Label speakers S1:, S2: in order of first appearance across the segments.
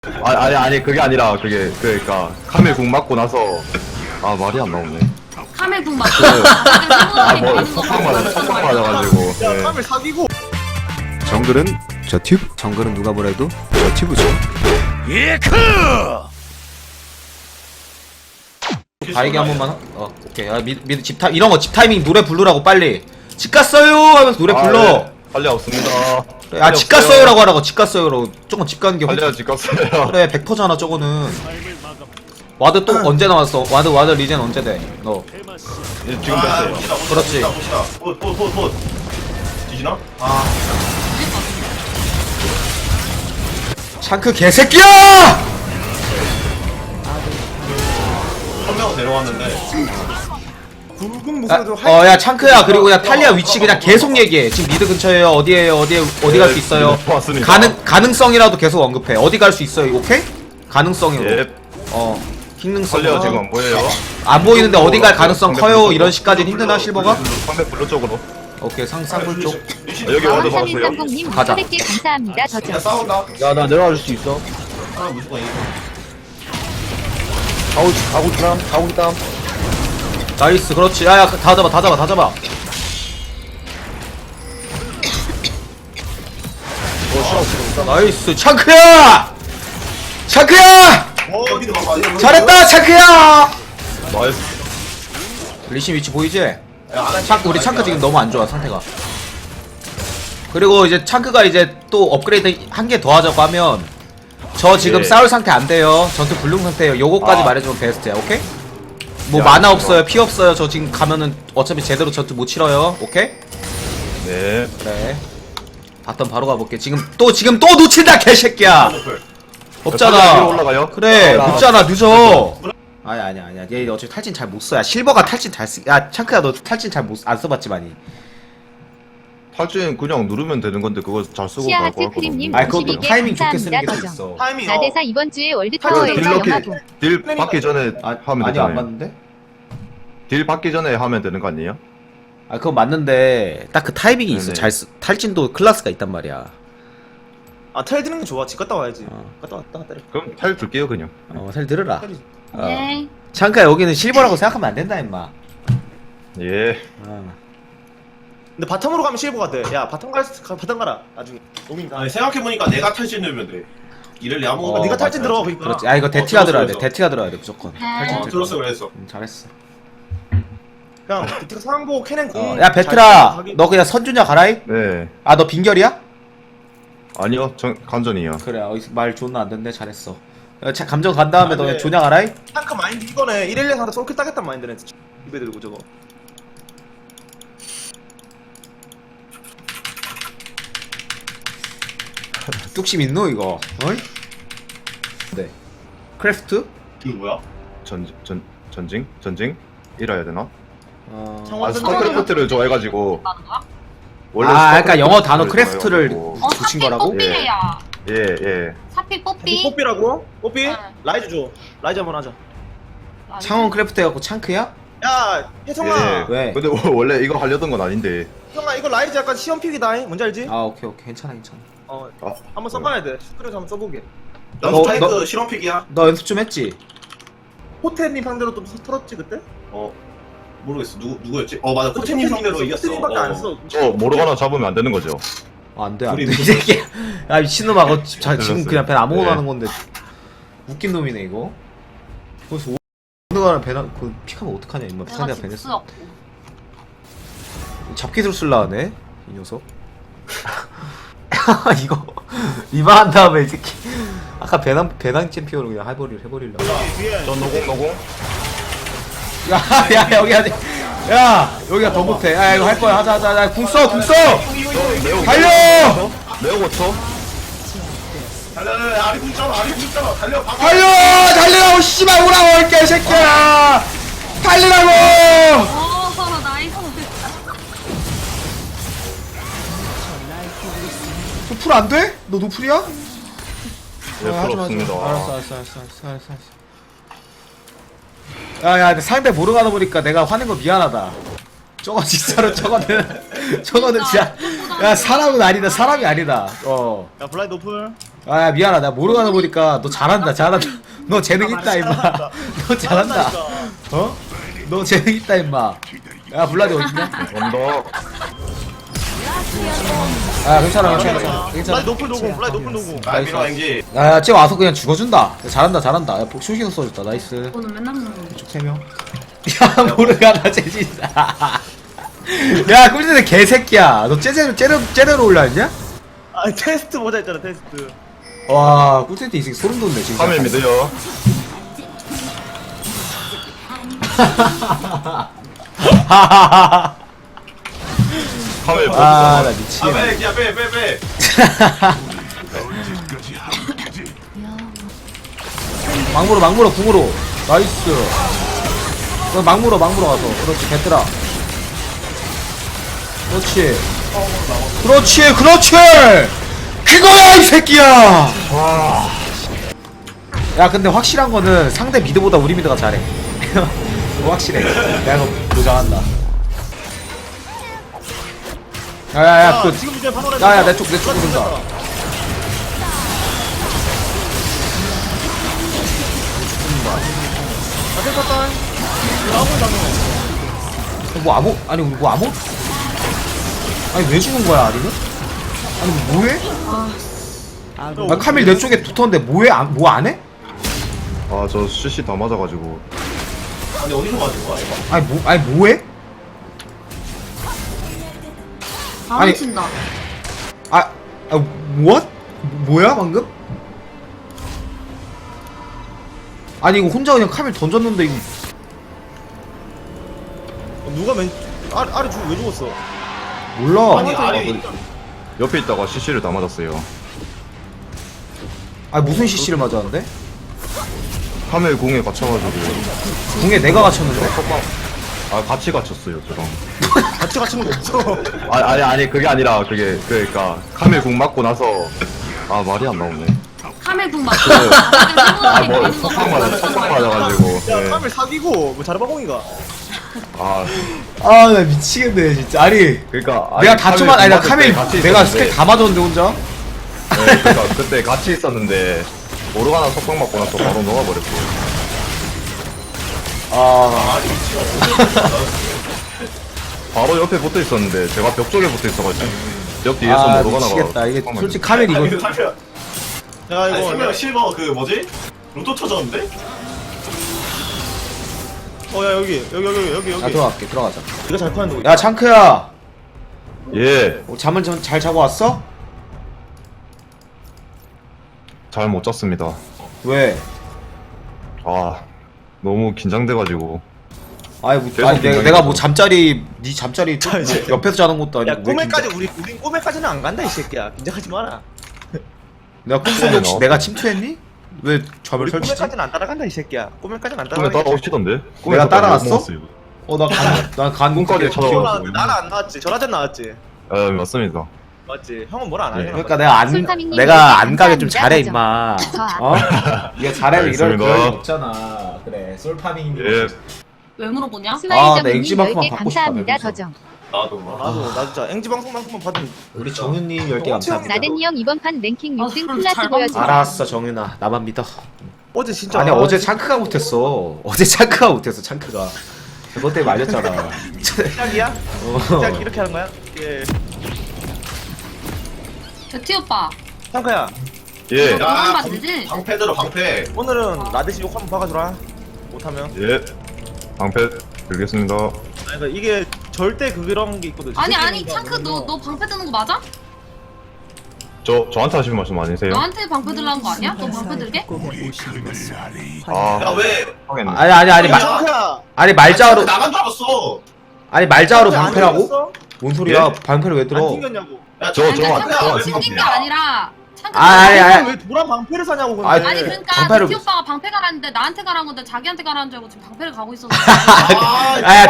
S1: 아니 그게 아니라 그러니까 카멜 궁 맞고 나서 아 말이 안 나오네.
S2: 카멜 궁 맞고
S1: 아뭐 석방 맞아가지고.
S3: 야,
S1: 네.
S3: 카멜 사기고.
S4: 정글은 저 튜브. 정글은 누가 뭐래도 저 튜브죠.
S5: 바이기 한 번만. 오케이. 미드 집 이런 거 집 타이밍 노래 부르라고 빨리. 집 갔어요 하면서 노래 불러.
S1: 네. 빨리 없습니다.
S5: 그래, 집 갔어요라고 하라고. 집 갔어요로. 조금 집 가는 게
S1: 빨리 집 갔어요.
S5: 그래 100%잖아 저거는. 와드 또 언제 나왔어? 와드 리젠 언제 돼? 너.
S1: 지금 됐어요.
S5: 그렇지.
S3: 봇. 뒤지나?
S5: 샹크 개새끼야!
S3: 한 명은 데려왔는데. 굵은 목소리도
S5: 야 창크야. 그리고 야 탈리아 위치 그냥 계속 얘기해. 지금 미드 근처에요. 어디에요? 어디 갈 수 있어요?
S1: 왔습니다.
S5: 가능성이라도 계속 언급해. 어디 갈 수 있어요? 오케이? 가능성으로.
S1: 예.
S5: 기능성.
S1: 빨리요 지금 안 보여요.
S5: 안 보이는데 어디 갈 가능성 커요? 이런 식까지는 힘드나 실버가?
S1: 상대 블루 쪽으로.
S5: 오케이 상불 쪽.
S1: 여기 와드 봤어요.
S6: 삼인삼공님
S5: 가자.
S6: 400개 감사합니다.
S3: 야,
S6: 저죠.
S3: 싸운다.
S7: 야, 나 내려와 줄 수 있어.
S3: 아, 무조건 이겨.
S7: 가고 있다.
S5: 나이스 그렇지. 야야 다 잡아. 나이스 창크야!
S3: 미드 봐봐.
S5: 잘했다 창크야!
S1: 나이스.
S5: 리신 위치 보이지? 우리 창크 지금 너무 안 좋아 상태가. 그리고 이제 창크가 이제 또 업그레이드 한 개 더 하자고 하면 저 지금
S1: 예.
S5: 싸울 상태 안 돼요. 전투 불능 상태예요. 요거까지 말해주면 베스트야. 오케이? 뭐
S1: 야,
S5: 만화
S1: 좋아.
S5: 없어요. 피 없어요. 저 지금 가면은 어차피 제대로 전투 못 치러요. 오케이?
S1: 네.
S5: 그래. 바텀 바로 가볼게. 지금 또 놓친다 개새끼야. 없잖아.
S1: 위로 올라가요?
S5: 그래 늦잖아 늦어. 아니야 얘 어차피 탈진 잘 못 써야. 실버가 탈진 잘 쓰. 야 창크야 너 탈진 잘 못 안 써봤지 많이.
S1: 탈진 그냥 누르면 되는 건데 그거 잘 쓰고
S6: 시아
S1: 갈 거
S6: 하트 크림님
S5: 아니 그것도
S6: 52개
S5: 타이밍 좋게 쓰는 게
S6: 감사합니다.
S5: 있어.
S3: 타이밍.
S6: 나대사 이번 주에 월드
S1: 딜
S6: 타워에서
S1: 딜
S6: 영화보.
S1: 딜 받기 전에 하면
S5: 아니 안
S1: 되잖아요.
S5: 맞는데?
S1: 딜 받기 전에 하면 되는 거 아니에요?
S5: 아 그건 맞는데 딱 그 타이밍이 있어.
S1: 네네.
S5: 탈진도 클래스가 있단 말이야.
S3: 아, 텔 드는 게 좋아. 집 갔다 와야지. 갔다 왔다 때려.
S1: 그럼 탈 줄게요 그냥.
S5: 잘 들으라.
S2: 네.
S5: 창크야 여기는 실버라고 생각하면 안 된다 임마.
S1: 예.
S3: 근데 바텀으로 가면 실버가 돼. 야, 바텀 가라. 나중에. 녹인다. 아니, 생각해보니까 내가 탈진 들면 돼. 이래리 아무거나. 네가 탈진 들어. 그러니까.
S5: 그렇지. 아 이거 대티가 들어야 돼. 대티가 들어야 돼 무조건. 탈진 들
S3: 들었어,
S5: 거야.
S3: 그랬어.
S5: 잘했어.
S3: 그냥, 비트가 상보 캐넨 공.
S5: 야 베트라 너 그냥 선주냐 가라이?
S1: 네.
S5: 아 너 빈결이야?
S1: 아니요. 간전이요.
S5: 그래 말 존나 안 됐네. 잘했어. 감정 간 다음에 너
S3: 네.
S5: 그냥 조냐 가라이?
S3: 탱크 마인드 이거네. 112 상대 솔킬 따겠단 마인드네. 입에 들고 저거.
S5: 뚝심 있노 이거? 어이? 네. 크래프트?
S3: 이거 뭐야?
S1: 전징? 이래야 되나?
S3: 창원
S1: 아 스타크래프트를 좋아해가지고
S5: 아 그러니까 영어 단어
S1: 스타크래프트를
S5: 크래프트를
S1: 좋아해가지고.
S5: 붙인
S2: 사피
S5: 거라고?
S2: 뽀삐래야.
S1: 예.
S2: 사피 뽀삐.
S3: 뽀삐라고? 뽀삐?
S2: 응.
S3: 라이즈 줘. 라이즈 한번 하자.
S5: 창원 크래프트 해갖고 창크야?
S3: 야, 혜성아.
S1: 예.
S5: 왜?
S1: 근데 원래 이거 하려던 건 아닌데.
S3: 혜성아, 이거 라이즈 약간 시험픽이다. 뭔지 알지?
S5: 아 오케이 괜찮아.
S3: 한번 써봐야 돼. 스크래서 한번 써보게.
S5: 너- 너-
S3: 실험픽이야.
S5: 너 연습 좀 했지?
S3: 호텔님 상대로 좀 털었지 그때?
S8: 모르겠어. 누구였지? 맞아. 호텔님 상대로 이겼어.
S3: 호텔님밖에 안 써.
S1: 모르거나 잡으면 안 되는 거죠.
S5: 안돼 안돼 이 새끼야. 야 미친놈아 그거 지금
S1: 들었어요.
S5: 그냥 배 아무거나
S1: 네.
S5: 하는 건데 웃긴 놈이네 이거. 거기서 오늘가는 배나 그 픽하면 어떡하냐 임마.
S2: 내가
S5: 상대가
S2: 집
S5: 배냈어.
S2: 수없고.
S5: 잡기술 쓸라 하네 이 녀석. 이거 리바한 다음에 이 새끼 아까 배낭 챔피언으로 그냥 해버리려.
S1: 전 노공.
S5: 야 여기 하지. 야 여기가 더 못해. 야 이거 할 거야. 하자. 궁 써. 달려.
S1: 매우 고쳐.
S3: 달려, 아리 붙잖아. 달려.
S5: 달리라고 씨발 오라고 이 개새끼야. 달리라고.
S2: 나이스.
S5: 노플 안 돼? 너 노플이야?
S1: 예,
S5: 하지 마.
S1: 부럽습니다.
S5: 알았어. 야, 근데 상대 모르가다 보니까 내가 화낸 거 미안하다. 저거 진짜로 저거는 진짜 야 사람은 아니다. 사람이 아니다.
S3: 야, 블라인드 오플.
S5: 아 미안하다 나 모르가나 보니까 너 잘한다 너 재능 있다 임마 너 잘한다 어? 너 재능 있다 임마 야 블라디 어딨냐?
S1: 언덕.
S5: 아 괜찮아
S3: 블라디 노플 노공 블라디 노플 노공.
S8: 아 밀어 앵지.
S5: 야 쟤 와서 그냥 죽어준다 잘한다 야 복수시도 써줬다 나이스
S2: 오늘 맨날 먹는 거.
S5: 쭉 3명 야 모르가나 재진다 야 꿀잼 개새끼야 너 쟤네로 올라왔냐?
S3: 아 테스트 보자 했잖아 테스트.
S5: 와 꿀잼 이 새끼 소름 돋네 지금
S1: 카멜 믿어요. 카멜 보고.
S5: 아나 미치겠네
S8: 아빼.
S5: 막물어 궁으로 나이스 너 막물어 가서 그렇지 배트라 그렇지 그거야 이 새끼야 야 근데 확실한 거는 상대 미드보다 우리 미드가 잘해 그거 확실해 내가 이거 보장한다 야야야 그
S3: 지금 이제 바로
S5: 야야 내 쪽 부른다 아니 왜 죽은 거야 아리는? 아니 뭐해? 아 카밀 내 쪽에 붙었는데 뭐해? 뭐 안 해?
S1: 아, 저 CC 다 맞아가지고.
S8: 아니 어디서 맞은 거야 이거?
S5: 아니 뭐해?
S2: 바로
S5: 아니.
S2: 친다.
S5: what? 뭐야 방금? 아니 이거 혼자 그냥 카밀 던졌는데 이거
S3: 누가 아래 죽 왜 죽었어?
S5: 몰라.
S8: 아니
S1: 옆에 있다가 CC를 다 맞았어요.
S5: 아니 무슨 CC를 맞았는데?
S1: 카멜 공에 갇혀가지고.
S5: 궁에 내가 갇혔는데?
S1: 아, 같이 갇혔어요, 저랑.
S3: 같이 갇힌 거 없어.
S1: 아니, 그게 아니라, 그러니까, 카멜 공 맞고 나서, 아, 말이 안 나오네.
S2: 카멜궁 맞고.
S1: 석방 맞아가지고.
S3: 야
S1: 네.
S3: 카멜 사기고 뭐 자르바공이가.
S1: 아,
S5: 아 나 미치겠네 진짜. 아니
S1: 그러니까.
S5: 내가
S1: 아니,
S5: 다쳐만 아니 나
S1: 맞을
S5: 카밀
S1: 때 같이
S5: 내가
S1: 있었는데,
S5: 스킬 다 맞았는데 혼자?
S1: 네, 그러니까 그때 같이 있었는데, 모르가나 석방 맞고 나서 바로 녹아버렸고. 바로 옆에 붙어 있었는데, 제가 벽 쪽에 붙어 있어가지고. 벽 뒤에서
S5: 아
S1: 모르가나가.
S5: 미치겠다. 이게
S1: 석방
S5: 솔직히 카밀 이거
S3: 내가
S8: 아니
S3: 이거
S8: 실버 실버 그 뭐지? 로또 터졌는데?
S3: 야 여기.
S5: 나 들어갈게. 들어가자.
S3: 이거 잘 파는데. 우리.
S5: 야 창크야.
S1: 예,
S5: 잠을 좀 잘 자고 왔어?
S1: 잘 못 잤습니다.
S5: 왜?
S1: 아, 너무 긴장돼가지고.
S5: 아니 뭐
S1: 계속
S5: 아니
S1: 긴장해서.
S5: 내가 뭐 잠자리 네 잠자리 뭐
S3: 이제.
S5: 옆에서 자는 것도
S3: 야
S5: 아니고 왜
S3: 꿈에까지 우린 꿈에까지는 안 간다 이 새끼야. 긴장하지 마라.
S5: 내가 꿈속에 혹시 내가 침투했니? 왜 점을
S3: 우리
S5: 설치지?
S3: 꿈에까지는 안 따라간다 이 새끼야. 꿈에까지는 안
S1: 꿈에
S3: 따라간다.
S1: 따라오시던데?
S5: 내가 따라왔어?
S1: 먹었어요.
S5: 난간
S1: 꿈까지 찾아와서.
S3: 나는 안 나왔지. 전화전 나왔지.
S1: 아, 맞습니다.
S3: 맞지. 형은 뭘 안 하냐.
S5: 그러니까
S6: 솔타밍님
S5: 내가 안 가게 좀
S6: 감사합니다.
S5: 잘해
S6: 거죠.
S5: 임마.
S6: 저
S5: 어? 네가 잘하면 이럴
S1: 알겠습니다.
S5: 그럴 일 없잖아. 그래 솔파밍.
S1: 예.
S2: 왜 물어보냐?
S5: 나
S6: 스마일저분님
S5: 엑지만큼만
S6: 10개
S5: 받고 싶다,
S6: 감사합니다.
S5: 여기서.
S6: 더정.
S3: 나 진짜 앵지 방송만큼만 받으면
S5: 우리 정윤님 10개 감사합니다.
S6: 나댄이 형 이번 판 랭킹
S2: 아,
S6: 6등
S2: 그럼
S6: 클라스
S2: 잘
S6: 보여줘.
S5: 알았어 정윤아 나만 믿어.
S3: 어제 진짜
S5: 아니 어제 창크가 못했어. 어제 창크가 못했어 창크가. 그것 때문에 말렸잖아.
S3: 시작이야? 시작 이렇게 하는 거야? 예.
S2: 티 오빠.
S3: 창카야
S1: 예.
S2: 그만 받지?
S8: 방패 들어 방패.
S3: 오늘은 라데시 욕 한번 박아주라. 못하면.
S1: 예. 방패 들겠습니다.
S3: 아니 그러니까 이게 절대 그런 게 있거든.
S2: 아니 창크 너 방패 드는 거 맞아?
S1: 저한테 하시는 말씀 아니세요?
S2: 너한테 방패 들라는 거 아니야? 너 방패 들게?
S1: 아,
S8: 야왜
S1: 하겠네.
S5: 아니
S3: 창카야.
S5: 아니 말자로
S8: 나간 줄 알았어.
S5: 아니 말자로
S3: 안
S5: 방패라고?
S3: 튕겼어?
S5: 뭔 소리야?
S1: 예?
S5: 방패를 왜
S3: 안
S5: 들어?
S3: 튕겼냐고.
S8: 야
S1: 저
S2: 창크가
S1: 안
S2: 튕긴 게 아니라 창크.
S5: 아니.
S3: 왜 도란 방패를 사냐고 근데.
S2: 아니 그러니까
S5: 방패를-
S2: 티 오빠가 방패 가라는데 나한테 가라는 건데 자기한테 가라는 줄 알고 지금 방패를 가고 있어서.
S5: 아야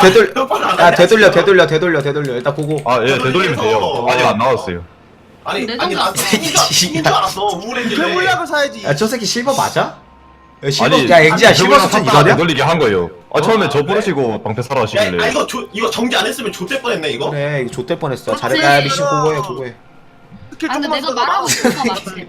S5: 되돌려 일단 보고.
S1: 아, 예, 되돌리면 돼요. 아직 안 나왔어요.
S8: 아니
S2: 내
S8: 아니
S2: 정도
S8: 나
S2: 안
S8: 튕긴 줄 알았어. 우울했길래.
S3: 그 물약을 사야지.
S5: 야 저 새끼 실버 맞아? 야 실버
S1: 아니,
S5: 야 앵지야 실버
S1: 되돌리면
S5: 수준
S1: 샀다가
S5: 이거냐?
S1: 되돌리게 한 거예요. 아, 처음에 저 부르시고 방패 사러
S8: 야,
S1: 하시길래.
S8: 이거 정지 안 했으면 좆될 뻔했네 이거.
S5: 그래 이거 좆될 뻔했어.
S2: 그치.
S5: 잘했다. 야, 리신 고고해.
S3: 스킬
S2: 아, 근데
S3: 조금만
S2: 내가
S3: 쓰다가
S2: 말하고 있어, 맞지?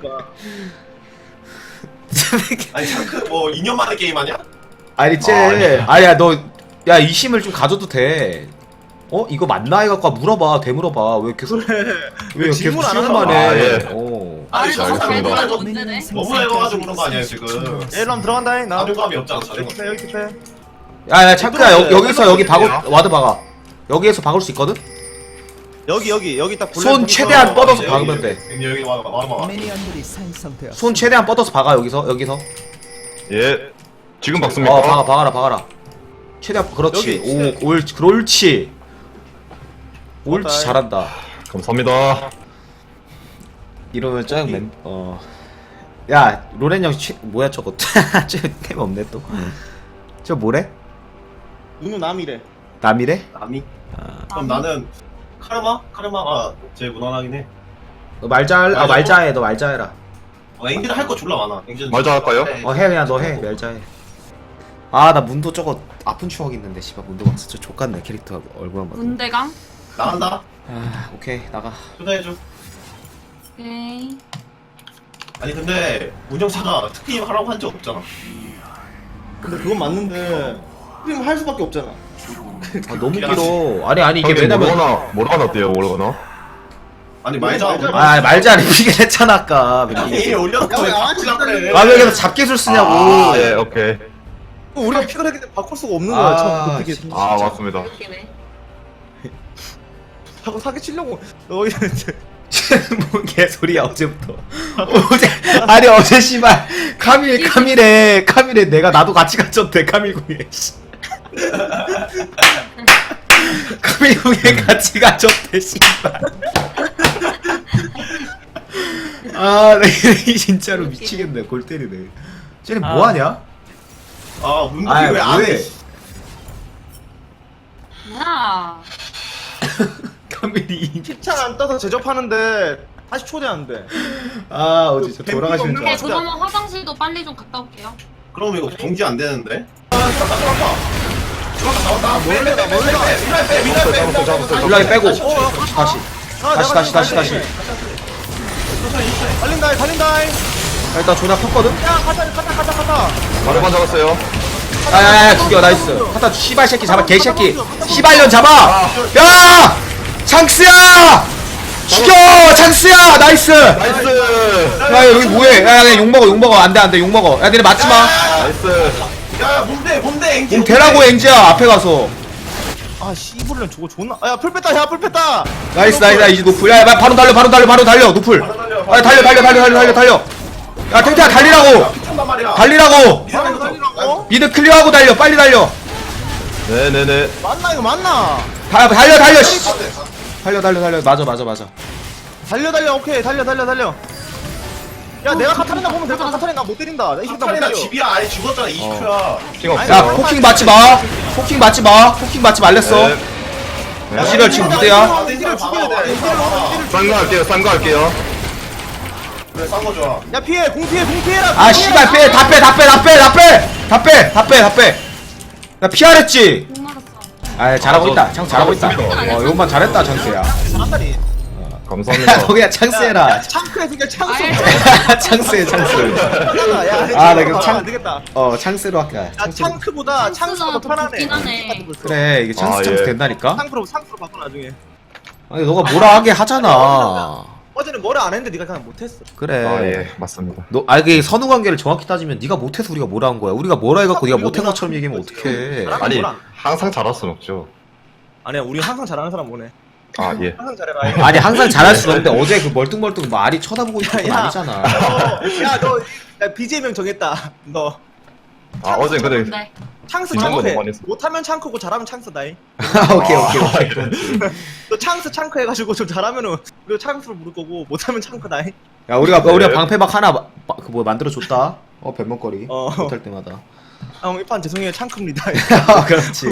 S3: 아니 창크 뭐 2년 만에 게임 하냐?
S5: 아니 쟤 아야 너 야 이심을 좀 가져도 돼. 어 이거 맞나 해갖고 물어봐 되물어봐 왜 계속 왜 계속
S3: 질문 안
S5: 시간만
S3: 하잖아.
S5: 해.
S1: 아, 예.
S5: 어.
S2: 아니, 너무 잘
S1: 알겠습니다.
S2: 들어도 문제네.
S3: 너무 해가지고 그런 거 아니야 지금.
S7: 일로 들어간다 나
S3: 자존감이 없잖아 자존감.
S7: 여기 패
S5: 야야 차크야 여기서 여기 박을 와드 박아. 여기에서 박을 수 있거든.
S7: 여기 딱
S5: 손 최대한 뻗어서 박으면 돼.
S3: 여기 와봐.
S5: 손 최대한 뻗어서 박아 여기서.
S1: 예. 지금 박습니까?
S5: 어 박아라. 최대한 그렇지.
S7: 여기
S5: 옳지. 옳지
S7: 맞다.
S5: 잘한다.
S1: 감사합니다.
S5: 이러면 야 로렌 형 뭐야 저거? 템 없네 또. 저 뭐래?
S7: 누누 남이래
S5: 남이래?
S3: 남이? 그럼 나는 카르마가 제일 무난하긴 해.
S5: 너 말자해 너 말자해라.
S3: 앵기는 할 거 졸라 많아. 앵기는
S1: 말자 할까요?
S5: 해 그냥 너 해 말자해. 아 나 문도 저거 아픈 추억 있는데 씨발 문도 막 진짜 족같네 캐릭터 얼굴 한번.
S2: 문대강?
S3: 나간다.
S5: 아 오케이 나가.
S3: 초대해줘.
S2: 오케이.
S3: 아니 근데 운영사가 특임 하라고 한 적 없잖아.
S7: 근데 그건 맞는데 스크림 할 수밖에 없잖아
S5: 아 너무 길어. 아니 이게
S1: 형님,
S5: 왜냐면
S1: 모르거나 어때요? 모르거나?
S3: 아니 말자.
S5: 아 말자를 이게 했잖아 아까.
S3: 이 올려놓고 왜
S7: 야,
S3: 바꾸려 그래?
S5: 아 왜 계속 잡기술 쓰냐고.
S1: 아, 예, 오케이.
S7: 우리가 픽을 했기 때문에 바꿀 수가 없는 거야
S5: 아,
S7: 참 어떻게
S5: 진짜.
S1: 아, 맞습니다.
S2: 웃기네.
S7: 자꾸 사기치려고 너
S5: 뭔 개소리야 어제부터. 어제 씨발 카밀에 내가 나도 같이 갇혔대 카밀궁에. 카밀궁에 같이 갇혔대 씨발. 아, 나 진짜로 미치겠네. 골 때리네. 쟤네 뭐 하냐?
S3: 아 문득이 왜안 해?
S2: 야.
S5: 카밀이.
S7: 힙창 안 떠서 제접하는데 다시 초대하는데
S5: 아, 어제 저 돌아가시는 줄
S2: 네,
S5: 알았어.
S2: 그러면 화장실도 빨리 좀 갔다 올게요.
S3: 그럼 이거 정지 안 되는데?
S5: 블락이 빼고. 다시.
S7: 달린다
S5: 일단 존나 컸거든?
S7: 야 가자
S1: 바로만 잡았어요.
S5: 야야야 죽여 나이스. 하다 씨발 새끼 잡아 개새끼. 씨발년 잡아. 야 창스야 죽여 창스야 나이스.
S1: 나이스!
S5: 야 여기 뭐해? 야 욕먹어 안돼 욕먹어. 야 니네 맞지마.
S1: 나이스!
S3: 야 뭔데 앵기?
S5: 공 대라고 앵지야 앞에 가서.
S7: 아 씨부르는 저거 존나 야풀 뺐다
S5: 나이스 이제 노플. 야 바로 달려 노플. 아 달려. 야 탱탱아 달리라고. 미드 클리어하고 달려 빨리 달려.
S1: 네네네.
S7: 맞나 이거 맞나
S5: 달려 씨. 달려 맞아.
S7: 달려 오케이 달려 야 내가 카타리나 보면 될까 카타리나 나 못 때린다 나 이 새끼 나못
S3: 카타리나
S7: 때려
S3: 집이야 아예 죽었잖아 20초야.
S1: 핑 없어.
S5: 야 포킹 맞지 말랬어.
S1: 네.
S5: 이지랄 지금 무대야.
S7: 앵기를 죽여야 돼 앵기를
S1: 싼 거 할게요.
S3: 그래 싼거 좋아.
S7: 야 피해 공 피해라
S5: 아 씨발 다 빼. 나 피하랬지.
S2: 공 맞았어.
S5: 아 잘하고 있다. 창 잘하고 있다.
S1: 잘했습니다.
S5: 요것만 잘했다 창스야.
S7: 사다리
S1: 감사합니다.
S5: 너 그냥 창스해라.
S7: 창크에 그냥 창수
S5: 창스해 창스.
S7: 나
S5: 이거
S7: 안 되겠다
S5: 창스로 할게.
S7: 야 창크보다 창수가 더 편하네
S2: 좋긴 하네.
S5: 그래 이게 창스
S1: 예.
S5: 된다니까.
S7: 창프로 바꿔 나중에
S5: 아니 너가 뭐라 하게 하잖아.
S7: 어제는 뭐라 안 했는데 네가 그냥 못했어
S5: 그래.
S1: 아, 예, 맞습니다.
S5: 이게 선후 관계를 정확히 따지면 네가 못해서 우리가 뭐라 한 거야. 우리가 뭐라 해갖고 네가 못한 것처럼 얘기하면 어떡해.
S1: 아니,
S7: 뭐라?
S1: 항상 잘할 순 없죠.
S7: 아니야 우리 항상 잘하는 사람 뭐네
S1: 아, 예.
S7: 항상 잘해라
S5: 아니 항상 잘할 수는 없는데 어제 그 멀뚱멀뚱 말이 쳐다보고 있던 건
S7: 야.
S5: 아니잖아.
S7: 야너 BJ명 정했다 너
S1: 아, 어제 근데
S2: 네.
S7: 창스
S1: 긴장도
S7: 창크해
S1: 너무 많이 했어.
S7: 못하면 창크고 잘하면 창스다잉
S5: 오케이.
S7: 너 창크 해가지고 좀 잘하면은 우리가 창스로 부를 거고 못하면 창크다잉
S5: 야 우리가
S1: 네.
S5: 방패막 하나 만들어 줬다. 변명거리.
S7: 어.
S5: 못할 때마다.
S7: 형 이판 죄송해요 창크입니다
S5: 그렇지.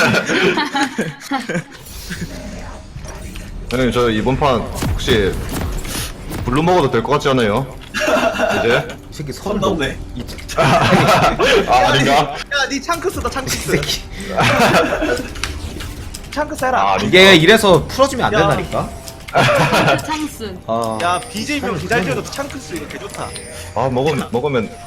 S1: 형님, 저 이번 판 혹시 블루 먹어도 될 것 같지 않아요? 이제?
S5: 이 새끼
S3: 선
S5: 너-
S3: 넘네.
S1: 아, 아닌가?
S7: 야니 창크 쓰다
S5: 이
S7: 창크스
S5: 새끼.
S7: 창크스 해라
S1: 아,
S5: 이게 이래서 풀어주면 안
S7: 야.
S5: 된다니까.
S2: 창스.
S5: 아
S7: 야 BJ명 기다려도 창크스 이거 개 좋다.
S1: 아 먹으면